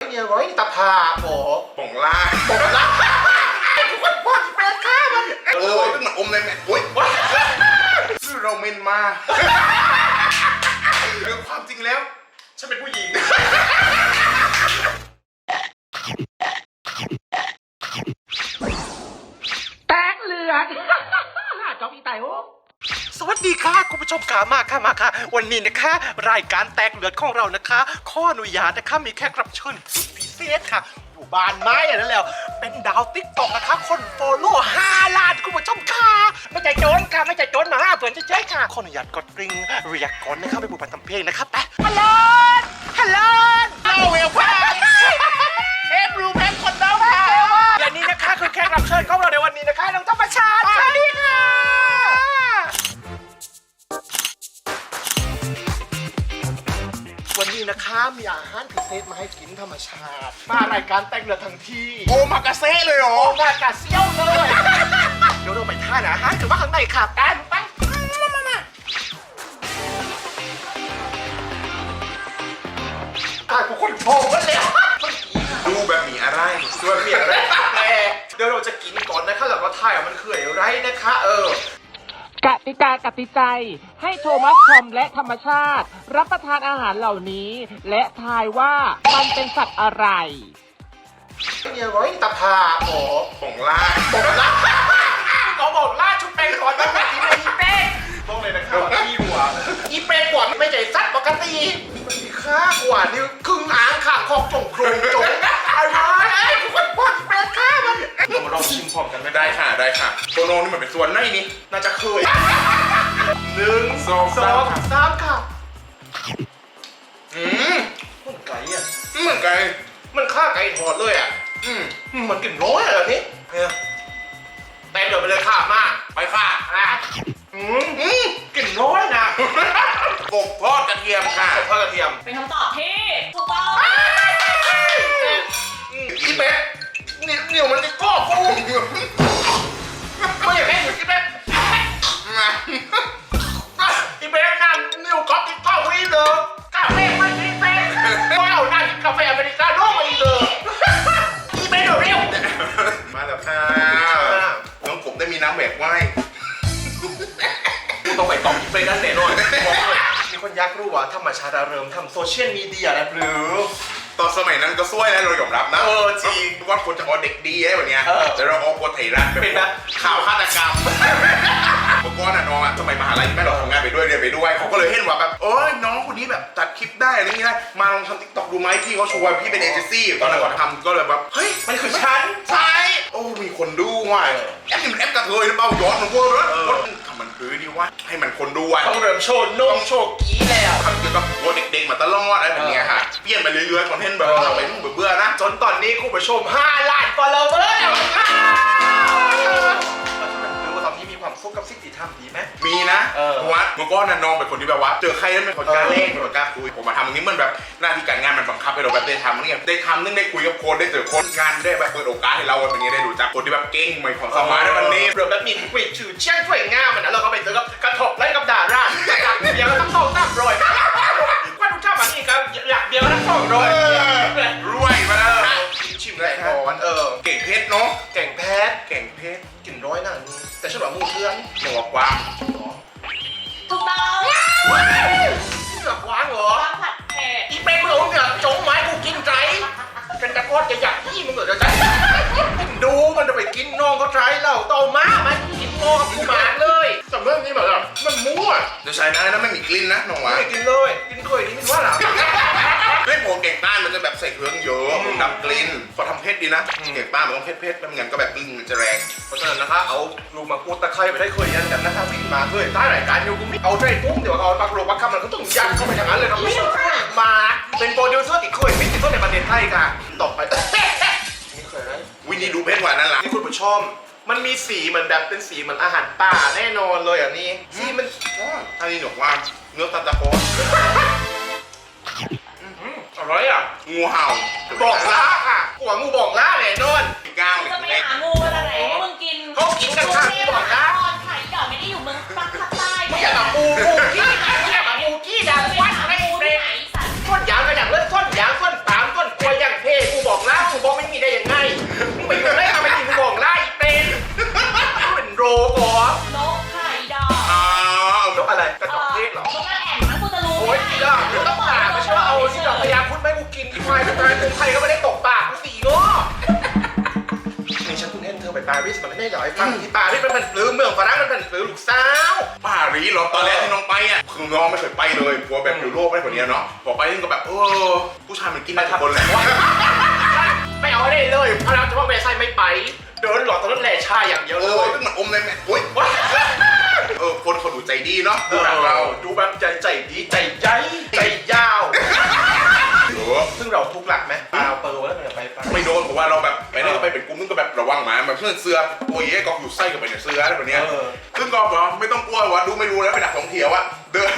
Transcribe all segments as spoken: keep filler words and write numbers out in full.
เนี่ยไว้ตะพาโอ้ป่องล่าป่องล่าทุกคนปอดแปลค่ามันเออเป็นเหมือนอมเลยแม่โอ๊ยคือเราเมนมาคือความจริงแล้วฉันเป็นผู้หญิงแตกเลือดจอมอีไตโอสวัสดีค่ะคุณผู้ชมขามาค่ะมาค่ะวันนี้นะคะรายการแตกเลือดของเรานะคะข้ออนุญาตนะคะมีแขกรับเชิญพิเศษค่ะอยู่บ้านไม้นั่นแล้วเป็นดาวติ๊กต็อกนะคะคนโฟลโล่ห้าล้านคุณผู้ชมค่ะไม่ใจโจนค่ะไม่ใจโจนมาห้าเพื่อนเจ๊ๆค่ะข้ออนุญาตกดกริ่งเรียกก่อนนะคะไปบูบันทำเพลงนะครับไปฮัลโหลฮัลโหลฮัลโหลเวลคัมเอฟรูแมนคนเดิมค่ะและนี่นะคะคือแขกรับเชิญของเราในวันนี้นะคะน้องธรรมชาติสวัสดีค่ะวันนี้นะคะมีอาหารพิเศษมาให้กินธรรมชาติมารายการแต่งเรือทั้งที่โอมากาเซ่เลยเหรอโอมากาเซี่ยวเลยเดี๋ยวเราไปท่านะฮะถือว่าข้างในขาบกันไปมามาอ่ะทุกคนโผล่กันแล้วดูแบบมีอะไรดูแบบมีอะไรแต่เดี๋ยวเราจะกินก่อนนะคะแล้วก็ถ่ายว่ามันคืออะไรนะคะเออกติกากติใจให้โทมัสทอมและธรรมชาติรับประทานอาหารเหล่านี้และทายว่ามันเป็นสัตว์อะไรเนี่ยไว้ตะพาโอ้ป่องล่าบอกล่าเขาบอกล่าชุบเป็นก่อนนะอีเป้อีเป้ต้องเลยนะครับพี่หัวอีเป้กว่าไม่ใช่สัตว์ปกติมันมีค่ากว่านี่ครึ่งอ่างข่างคอกจงโครงจงอะไรทุกคนปอดแปลค่ามันเรามาลองชิมพร้อมกันไม่ได้ได้ค่ะได้ค่ะโตโนนี่มันเป็นส่วนไหนนี่น่าจะเคยหนึ่งสองสามสามค่ะอืมมันไก่อ่ะเหมือนกันมันฆ่าไก่ทอดเลยอ่ะอืมมันกลิ่นร้อยอะไรนี้เนี่ยเต็มเดี๋ยวไปเลยค่ะมาไปค่ะนะอืมอืมกลิ่นร้อยนะกบทอดกระเทียมค่ะทอดกระเทียมเป็นคำตอบที่ถูกต้องอีเป๊ะนี่เหนียวมันจะก้อฟูไม่อยากให้หนูอีเป๊ะอีเป๊ะนั่นนิวก๊อปติ๊กก้อฟรีเลยกาแฟไม่ฟรีเป๊ะว้าวน่ากินกาแฟอเมริกาโน่มาอีกเลยอีเป๊ะเดี๋ยวเร็วมาแล้วค่ะน้องกบได้มีน้ำแหวกไหวกูต้องไปตอบอีเป๊ะนั่นแน่นอนมีคนอยากรู้ว่าธรรมชาติเริ่มทำโซเชียลมีเดียแล้วหรือตอนสมัยนั้นก็ซวยนะเรายอมรับนะเออจริงว่าคนจะเอาเด็กดีได้แบบเนี้ยแต่เราเอาคนไทยรัฐเป็นนะข่าวฆาตกรรมเมื่อก่อนน่ะน้องอ่ะสมัยมหาลัยแม่เราทำงานไปด้วยเรียนไปด้วยเขาก็เลยเห็นว่าแบบโอ้ยน้องคนนี้แบบตัดคลิปได้อะไรอย่างเงี้ยมาลองทำติ๊กต็อกดูไหมพี่เขาชวนพี่เป็นเอเจนซี่ตอนนั้นก่อนทำก็เลยแบบเฮ้ยมันคือฉันใช่โอ้มีคนดูว่ะแอปนี่มันแอปกระเทยหรือเปล่าย้อนมันว่าว่าทำมันคือดีว่าให้มันคนดูว่ะต้องเริ่มโชว์นมโชว์กี้แล้วทำเกี่ยวกับวัวเด็กๆมาตลอดอะไรแบบเนี้ยค่ะเปลี่ยนไปเรื่อยๆคอนเทนต์แบบทำไปเบื่อๆนะจนตอนนี้คุณผู้ชมห้าล้าน follower แล้วตอนนี้มีความสุขกับสิ่งที่ทำดีไหมมีนะเพราะว่าเมื่อก่อนน่ะน้องเป็นคนที่แบบว่าเจอใครแล้วเป็นคนกล้าเล่นเป็นคนกล้าคุยผมมาทำตรงนี้มันแบบหน้าที่การงานมันบังคับให้เราแบบได้ทำนี่ได้ทำนึงได้คุยกับคนได้เจอคนงานได้แบบเปิดโอกาสให้เราแบบนี้ได้รู้จักคนที่แบบเก่งมีความสามารถในวันนี้เรื่องแบบมีคุยชื่อเชี่ยงช่วยง่ามนะเราก็ไปเจอกับกระทบไล่กับดาราอยากเดียวต้องเข้าตั้งรอยว่าดูชอบแบบนี้ครับอยากเดียวต้องเข้ารอยรวยมาแล้วชิมได้ก่อนเออเก่งเพชรเนาะเก่งแพทเก่งเพชรกินร้อยนั่นแต่ฉันบอกมูเพื่อนหนวกกว้างถูกต้องเหนือกว้างเหรอวางผัดเผ็ดอีเป็นมึงเอาเนี่ยจงไม้กูกินใจเป็นตะกอนจะอยากที่มึงเหรอใจดูมันจะไปกินน้องเขาใจเราโตมามันกินโง่กับกูหมาเลยแต่เรื่องนี้แบบมันมั่วเดี๋ยวใช้ได้นะไม่มีกลิ่นนะน้องวะไม่กินเลยกินเคยนี่มันว่าหรอไม่โผล่เก่งต้านมันจะแบบใส่เครื่องเยอะดับกลิ่นพอทำเพชรดีนะเก่งต้านมันต้องเพชรเพชรแล้วงั้นก็แบบกลิ่นมันจะแรงเพราะฉะนั้นนะคะเอาลูกมาพูดตะไคร้ไปได้เคยยันกันนะคะวิ่งมาเคยใต้รายการอยู่กูไม่เอาใจปุ้งเดี๋ยวเอาปักโลปักคำมันก็ต้องยันเข้าไปอย่างนั้นเลยครับไม่ใช่มาเป็นโปรดิวเซอร์ติดเคยไม่ติดต้นในประเทศไทยค่ะต่อไปนี่เคยไหมวินี่ดูเพชรกว่านั้นล่ะนี่คุณผู้ชมมันมีสีเหมือนแบบเป็นสีเหมือนอาหารป่าแน่นอนเลยอ่ะนี่สีมันอันนี้หนวกว่าเนื้อตาตะโพนอร่อยอ่ะงูเห่าบอกล่าค่ะหัวงูบอกล่าแน่นอนก้าวจะไปหางูอะไรไหนมึงกินเขากินกันค่ะที่บอกล่าไข่หยอดไม่ได้อยู่เมืองภาคใต้ไม่อยากกับงูงูกี้ไม่อยากกับงูกี้ดังวัดไม่เปรตต้นยางก็อย่างเล่นต้นยางต้นปาล์มต้นกล้วยอย่างเท่ได้เหรอไอ้ฟังที่ป่าที่เป็นแผ่นปลื้มเมืองฝรั่งมันแผ่นปลื้มลูกสาวปารีสเหรอตอนแรกที่น้องไปอ่ะคือน้องไม่เคยไปเลยกลัวแบบอยู่โลกไม่คนนี้เนาะพอไปนี่ก็แบบเออผู้ชายมันกินได้ทุกคนแหละไม่เอาได้เลยพระราชวังเวร์ไซน์ไม่ไปเดินหลอดตอนนั้นแหล่ชาอย่างเดียวเอเลอย ซึ่งมันอมเลยแม่โอ๊ยเออคนเขาดูใจดีเนาะดูดูหนังเราดูแบบใจใจดีใจใหญ่ใจยาวเออซึ่งเราทุกหลักไหมเปล่าเปิดแล้วมันจะไปไปไม่โดนเพราะว่าเราแบบไปนี่ก็ไปเป็นกลุ่มนึงก็แบบระวังหมาแบบเพื่อนเสื้อตัวเย่ก็อยู่ไส้กับไปในเสื้ออะไรแบบเนี้ยซึ่งก็บอกไม่ต้องกลัวว่าดูไม่รู้แล้วเป็นนักท่องเที่ยวอะเดิน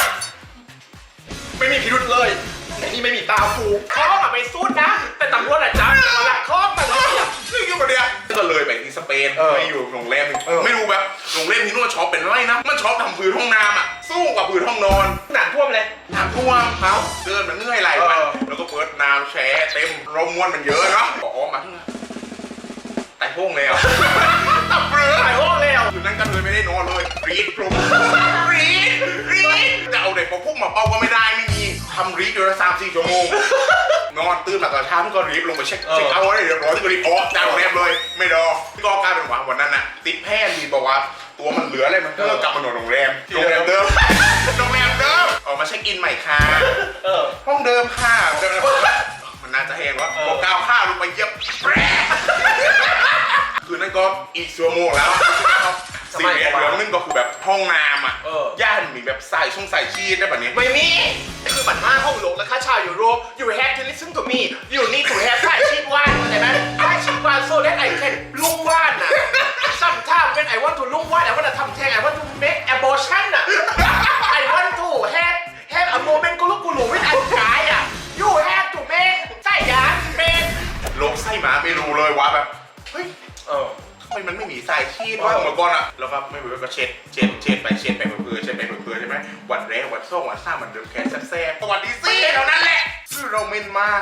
ไม่มีพิรุธเลยไอ้นี่ไม่มีตาฟูเขาอะไปสู้นะแต่ตำรวจอะจับมาละข้อมันเลยอะซึ่งอยู่กับเนี้ยก็เลยไปที่สเปนเออไปอยู่โรงแรมหนึ่งเออไม่รู้แบบโรงแรมที่นู่นชอบเป็นไรนะมันชอบทำพื้นห้องน้ำอะสู้กับพื้นห้องนอนหนังท่วมเลยน้ำท่วมเขาเดินมันเหนื่อยไหลมันเออแล้วก็เปิดน้ำแช่เต็มลมมวนมันเยอะเนาะบอกอ๋อมาที่ไต่พวงแล้วตับเรือถ่ายห้องเลยอ่ะคืนนั้นกันเลยไม่ได้นอนเลยรีดกลุ่มรีดรีดจะเอาเด็กพอพุ่งมาเป้าก็ไม่ได้ไม่มีทำรีดอยู่ละสามสี่ชั่วโมงนอนตื่นมาตอนเช้าก็รีบลงไปเช็คเช็คเอาท์ให้เรียบร้อยก็รีบออกจากโรงแรมเลยไม่รอก็กลายเป็นว่าวันนั้นน่ะติดแพทย์รีบอกว่าตัวมันเหลืออะไรมันก็กลับมานอนโรงแรมโรงแรมเดิมโรงแรมเดิมออกมาเช็คอินใหม่ค่ะเออห้องเดิมค่ะมันน่าจะแห้งวะพอก้าวข้าวลงไปเย็บแปรคืนนั้นก็อีกชั่วโมงแล้วสิ่งเนี้ยเรื่องนึงก็คือแบบห้องน้ำอ่ะเออย่านมีแบบใส่ช่องใส่ชีสได้แบบนี้ไม่มีคือบัตรห้าห้องลงแล้วค่าชาวยูโร you have to listen to me you need to have ค่าชีพว่านเข้าใจไหมค่าชีพว่าน so that I can ลุ่งว่านน่ะ sometimes when I want to ลุ่งว่าน I want to ทำแท้ง I want to make abortion น่ะ I want to have have a moment กุลุกุลุ with a guy อ่ะ you have to make ใส่ยานเป็นโลกไส้หมาไม่รู้เลยว่าแบบเฮ้ยเออทำไมมันไม่มีสายชีสวะเมื่อก่อนอ่ะแล้วก็ไม่รู้ก็เช็ดเช็ดเช็ดไปเช็ดไปเพื่อเช็ดไปเพื่อใช่ไหมวันแรกวันสองวันสามวันเดิมแค่แซ่บๆสวัสดีสิเท่านั้นแหละชื่อเราเมนมา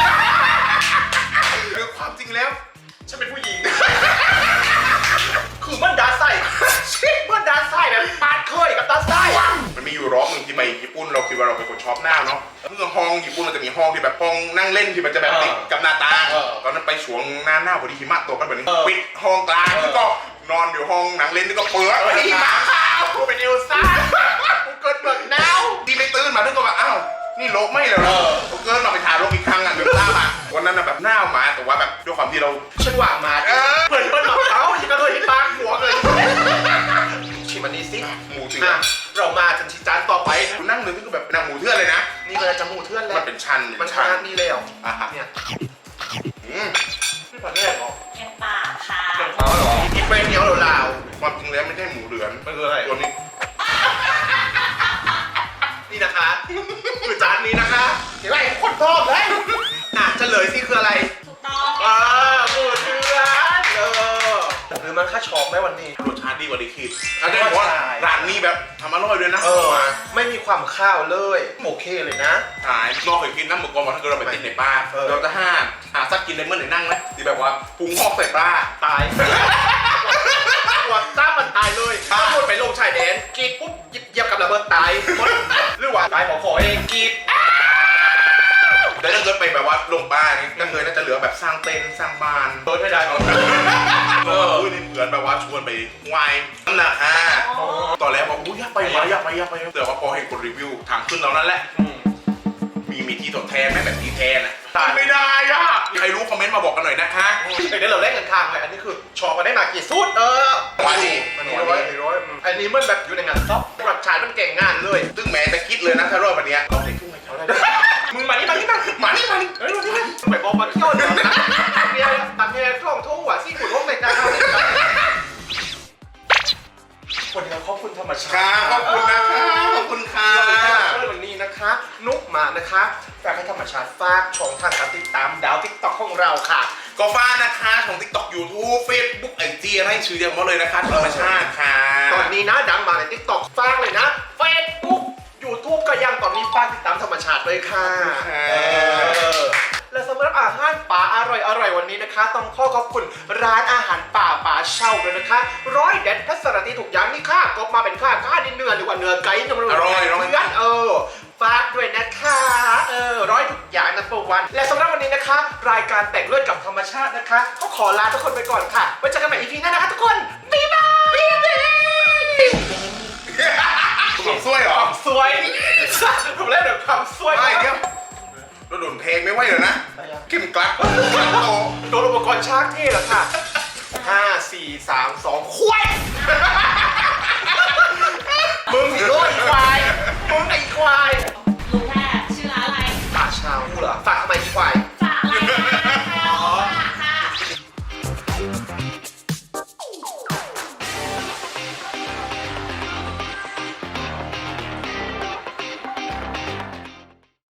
คือความจริงแล้วฉันเป็นผู้หญิง คือมันดาไส้ชิมันดาไส้แบบปาดเคยกับดาไส้มันมีอยู่ร้องหนึ่งที่ไปญี่ปุ่นเราคิดว่าเราเป็นคนชอบหน้าเนาะเมื่อห้องญี่ปุ่นมันจะมีห้องที่แบบห้องนั่งเล่นที่มันจะแบบติดกับหน้าต่างตอนนั้นไปช่วงหน้าหน้าพอดีหิมะตกกันแบบนี้ปิดห้องกลางแล้วก็นอนอยู่ห้องหนังเล่นแล้วก็เปิดหิมะขาวกูเป็นเอลซ่ากูเกิดเบิกหนาวที่ไม่ตื่นมาถึงก็แบบอ้าวนี่โลกไม่เลยเหรอกูเกินมาไปถ่ายโลกอีกครั้งอ่ะเดือดร้อนอ่ะวันนั้นแบบหน้าหมาแต่ว่าแบบด้วยความที่เราฉันหวางมาเออเปิดเปิดหลอกเขาฉันก็เลยที่ปากหัวเลยชิมอันนี้สิหมูเถื่ออ่ะนเรามาจนชิจานต่อไปกูนั่งนึกก็แบบนางหมูเถื่อนเลยนะนี่เลยจะหมูเทื่อนแล้วมันเป็นชั้นมันชานี่แล้วอ่ะฮะเนี่ยอืมนี่ผัดแรกเหรอแกงป่าค่ะเรื่องเขาเหรอกินไปเหนียวเหลาความจริงแล้วไม่ใช่หมูเหลือนๆมันคืออะไรตัวนี้นี่นะคะคือจานนี้นะคะเห็นไหมคนชอบเลยอ่ะเฉลยสิคืออะไรถูกต้องอ่าหมูเทื่อนเออหรือมันค่าชอบไหมวันนี้รสชาติดีกว่าที่คิดอาจจะบอกว่าร้านนี้แบบทำอร่อยด้วยนะเออไม่มีความข้าวเลยโอเคเลยนะหายนอกเคยกินน้ำหมึกกรอบถ้าเกิดเราไปติดในบ้านเออเราจะห้ามหาซักกินเลยเมื่อไหร่นั่งไหมที่แบบว่าปรุงหอกใส่ปลาตายปวดจ้ามันตายเลยอ่าถ้าพูดไปลงชายแดนกรีดปุ๊บหยิบเหยียบกับระเบิดตายหมดหรือว่าตายขอขอเองกรีดแต่ถ้าเกิดไปแบบว่าลงบ้านนี่ก็เคยน่าจะเหลือแบบสร้างเต็นท์สร้างบ้านเบิร์ดไม่ได้เอออุ้ยนี่เหมือนแบบว่าชวนไปวายนั่นแหละฮะตอนแรกบอกอุ้ยอยากไปวะอยากไปอยากไปแต่ว่าพอเห็นคนรีวิวทางขึ้นเรานั่นแหละ มีมีที่ทดแทนไหมแบบที่แทนอ่ะไม่ได้อ่ะใครรู้คอมเมนต์มาบอกกันหน่อยนะคะเดี๋ยวเราเล่นกันทางเลยอันนี้คือชอมาได้มากี่สูตรเออว่าดิมันนี้ร้อยร้อยอันนี้มันแบบอยู่ในงานซ็อปปรับชายมันเก่งงานเลยซึ่งแม้จะคิดเลยนะถ้ารอดวันเนี้ยเราได้ทุ่งให้เขาได้มึงมานี่มานี่มามานี่มานี่เฮ้ยมานี่มาไปบอกมาเที่ยวเดี๋ยวนะตักเมียตักเมียท่องทุ่งหว่าซี่ขุนห้องในการเข้าวันนี้ขอบคุณธรรมชาค่ะติขอบคุณนะคะขอบคุณค่ะวันนี้นะคะ นุกมานะคะฝากให้ธรรมชาติฝากช่องทางการติดตามดาวทิกตอกของเราค่ะก็ฟ้านะคะของ TikTok YouTube Facebook ไอจีอะไรชื่อเดียวมาเลยนะคะธรรมชาติค่ะตอนนี้นะดังมาในทิกตอกฝากเลยนะ Facebook YouTube ก็ยังตอนนี้ฝากติดตามธรรมชาติเลยค่ะเออและสำหรับอาหารป่าอร่อยอร่อยวันนี้นะคะ ต้องขอขอบคุณร้านอาหารป่าป่าเช่าด้วยนะคะร้อยเด็ดพัสรตีถูกอย่างนี่ค่ะก็มาเป็นค่าค่าดินเนื้อหรือว่าเนื้อไก่เนื้ออร่อยอร่อยเนื้อเออฝากด้วยนะคะเออร้อยทุกอย่างนะโปรวันและสำหรับวันนี้นะคะ รายการแต่งเลือดกับธรรมชาตินะคะก็ขอลาทุกคนไปก่อนค่ะไว้เจอกันใหม่ อี พี หน้านะคะทุกคนบ๊ายบายบ๊ายบายผมซวยเหรอความสวยผมเล่นแบบความสวยไม่เดี๋ยวเราโดนเพลงไม่ไหวเลยนะเข้มกลัดโตโดนอุปกรณ์ชากเท่เหรอค่ะห้าสี่สามสองควายมึงสิโลยควายมึงไอ้ควาย